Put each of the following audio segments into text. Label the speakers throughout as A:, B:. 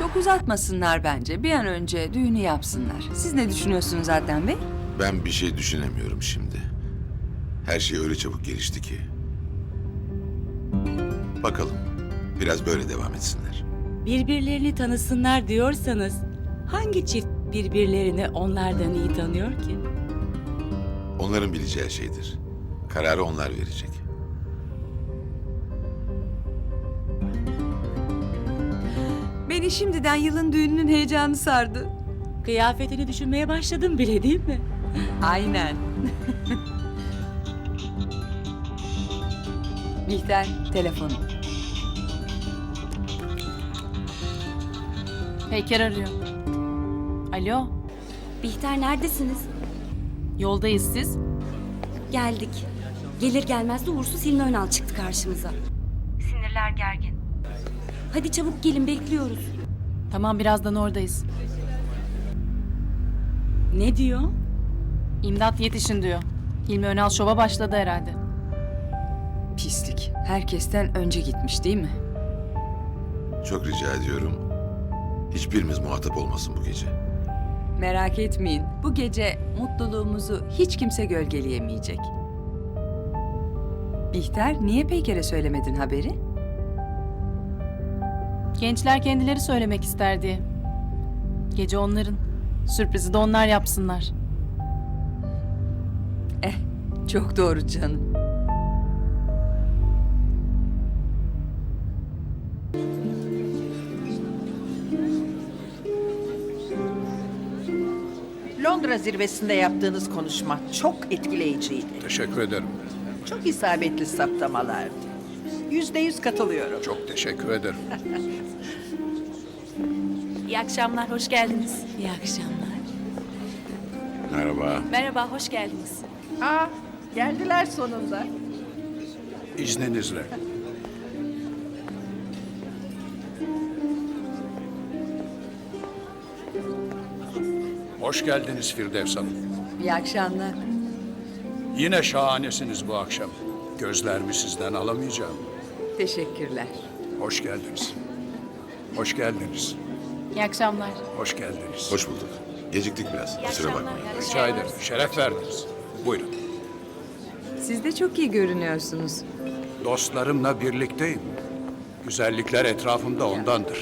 A: Çok uzatmasınlar bence. Bir an önce düğünü yapsınlar. Siz ne düşünüyorsunuz Adnan Bey?
B: Ben bir şey düşünemiyorum şimdi. Her şey öyle çabuk gelişti ki. Bakalım. Biraz böyle devam etsinler.
C: Birbirlerini tanısınlar diyorsanız hangi çift birbirlerini onlardan iyi tanıyor ki?
B: Onların bileceği şeydir. Kararı onlar verecek.
A: Beni şimdiden yılın düğününün heyecanı sardı.
C: Kıyafetini düşünmeye başladım bile değil mi?
A: Aynen. Bihter, telefonu.
D: Peyker arıyor. Alo,
E: Bihter neredesiniz?
D: yoldayız siz.
E: Geldik. Gelir gelmez de uğursuz Hilmi Önal çıktı karşımıza. Sinirler gergin. Hadi çabuk gelin bekliyoruz.
D: Tamam, birazdan oradayız.
C: Ne diyor?
D: İmdat yetişin diyor. Hilmi Önal şova başladı herhalde.
A: Pislik. Herkesten önce gitmiş değil mi?
B: Çok rica ediyorum. Hiçbirimiz muhatap olmasın bu gece.
A: Merak etmeyin. Bu gece mutluluğumuzu hiç kimse gölgeleyemeyecek. Bihter, niye Peyker'e söylemedin haberi?
D: Gençler kendileri söylemek ister diye. Gece onların. Sürprizi de onlar yapsınlar.
A: Çok doğru canım.
F: Londra zirvesinde yaptığınız konuşma çok etkileyiciydi.
G: Teşekkür ederim.
F: Çok isabetli saptamalardı. %100 katılıyorum.
G: Çok teşekkür ederim.
D: İyi akşamlar, hoş geldiniz.
C: İyi akşamlar.
B: Merhaba.
D: Merhaba, hoş geldiniz.
F: Aa, geldiler sonunda.
G: İzninizle. Hoş geldiniz Firdevs Hanım.
A: İyi akşamlar.
G: Yine şahanesiniz bu akşam. Gözlerimi sizden alamayacağım.
A: Teşekkürler.
G: Hoş geldiniz. Hoş geldiniz.
D: İyi akşamlar.
G: Hoş geldiniz.
B: Hoş bulduk. Geciktik biraz. Kusura bakmayın.
G: Rica ederim. Şeref verdiniz. Buyurun.
A: Siz de çok iyi görünüyorsunuz.
G: Dostlarımla birlikteyim. Güzellikler etrafımda ondandır.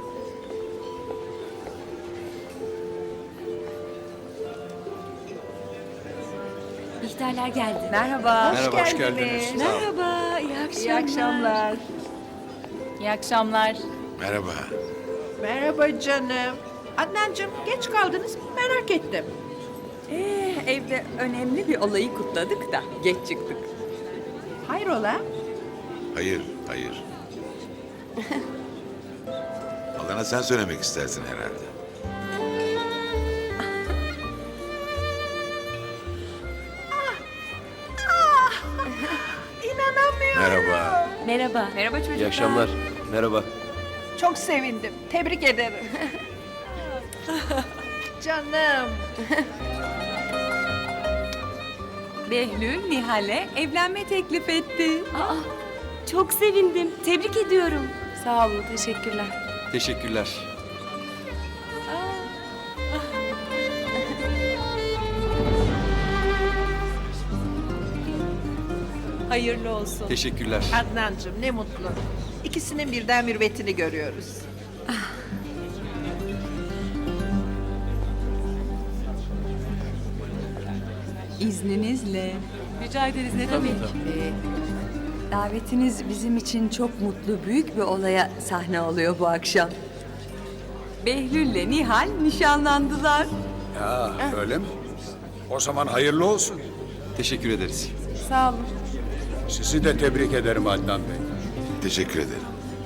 E: Bihterler geldi.
A: Merhaba.
G: Merhaba, hoş geldiniz. Sağ olun.
C: Merhaba, iyi akşamlar.
F: İyi akşamlar.
D: İyi akşamlar.
B: Merhaba.
F: Merhaba canım. Adnancığım geç kaldınız merak ettim.
A: Evde önemli bir olayı kutladık da geç çıktık.
F: Hayrola?
B: Hayır, hayır. Adana sen söylemek istersin herhalde.
F: İnanamıyorum.
B: Merhaba.
C: Merhaba.
A: Merhaba çocuklar.
H: İyi akşamlar. Merhaba.
F: Çok sevindim. Tebrik ederim. Canım.
A: Behlül Nihal'e evlenme teklif etti.
E: Aa, çok sevindim. Tebrik ediyorum.
D: Sağ olun, teşekkürler.
H: Teşekkürler.
C: Hayırlı olsun.
H: Teşekkürler.
F: Adnancığım ne mutlu. İkisinin birden mürvetini görüyoruz.
A: İzninizle.
D: Rica ederiz, ne demek?
A: Davetiniz bizim için çok mutlu, büyük bir olaya sahne oluyor bu akşam. Behlül'le Nihal nişanlandılar.
G: Ya öyle mi? O zaman hayırlı olsun.
H: Teşekkür ederiz.
D: Sağ olun.
G: Sizi de tebrik ederim Adnan Bey.
B: Teşekkür ederim.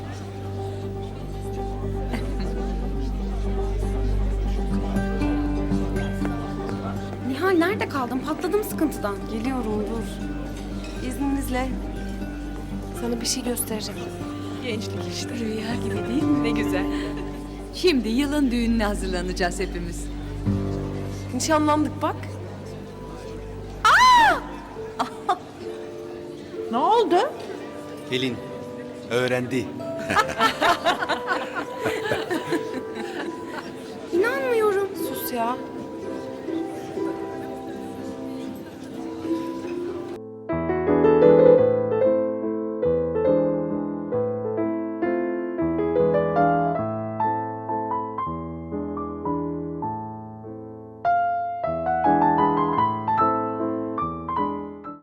E: Nihal nerede kaldın? Patladım sıkıntıdan.
D: Geliyorum, dur. İzninizle. Sana bir şey göstereceğim.
A: Gençlik işte. Rüya gibi değil mi? Ne güzel. Şimdi yılın düğününe hazırlanacağız hepimiz.
D: Nişanlandık bak.
F: Ne oldu?
H: Pelin öğrendi.
I: ya.